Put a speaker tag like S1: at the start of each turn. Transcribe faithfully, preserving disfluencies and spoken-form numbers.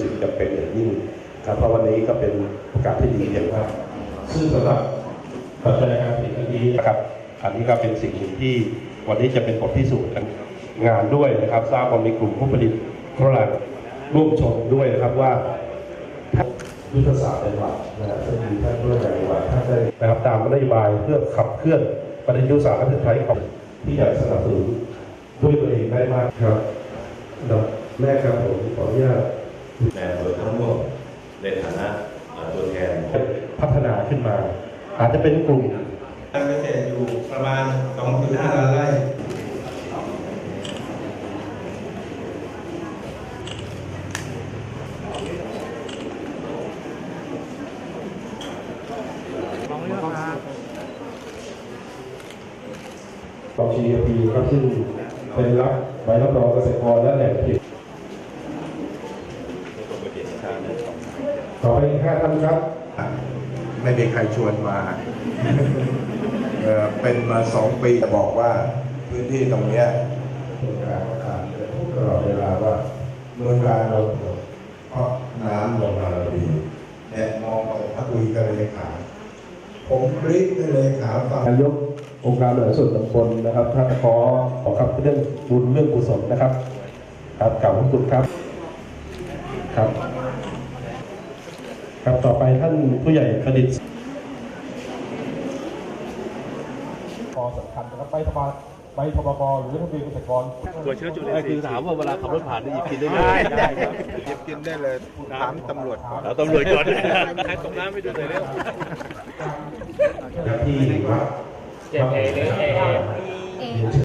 S1: สิ่งจำเป็นอย่างยิ่งครับเพราะวันนี้ก็เป็นโอกาสที่ดีอย่างมากซึ่งสำหรับปัจจัยการผลิตอันนี้นะครับอันนี้ก็เป็นสิ่งหนึ่งที่วันนี้จะเป็นบทพิสูจน์งานด้วยนะครับทราบว่ามีกลุ่มผู้ผลิตโทรทัศน์ร่วมชมด้วยนะครับว่ายุทธศาสตร์ในวัดนะฮะซึ่งมีท่านผู้ใหญ่วัดท่านได้นะครับตามนโยบายเพื่อขับเคลื่อนประเด็นยุทธศาสตร์และใช้ของที่อยากสนับสนุนด้วยตัวเองได้มากครับแม่ครับผมขออนุญาต
S2: แม่โดยทั้งหมดในฐานะตัวแทน
S1: พัฒนาขึ้นมาอาจจะเป็นกลุ่ม
S3: การเกษตรอยู่ประมาณ สองจุดห้า ล้านไร่
S1: ของ จี เอ พี ครับซึ่งเป็นรับใบรับรองเกษตรกรและแหล่งผลิตขอไปห้าท่านครับ
S4: ไม่มีใครชวนมา เป็นมาสองปีจะบอกว่าพื้นที่ตรงนี้เมืองการประกาศพูดตลอดเวลาว่าเมืองการเราเพราะน้ำลงมาเราดีเนี่ยมองไปพักคุยกันเลขาผมบริกเลขาฟัง
S1: นายกองค์การบริหารส่วนตำบลนะครับท่านขอขอครับเรื่องบุญเรื่องกุศลนะครับครับกล่าวขอบคุณครับครับครับต่อไปท่านผู้ใหญ่ประดิษฐ์พอสำคัญนะครับใบทบใบทบกหรือทะเบียนเกษตรกร
S5: ตัวเชื้อจุลินทรีย์คือถามว่าเวลาขับรถผ่านได้หยิบกินได้ไหม
S4: ได้ครับหยิบกินได้เลยถามตำรวจก่อน
S5: เราตำรวจก่อนใครตรงน้ำไม่ดูเลยเร็ว
S1: ที่วัดเจ็ดเอเอ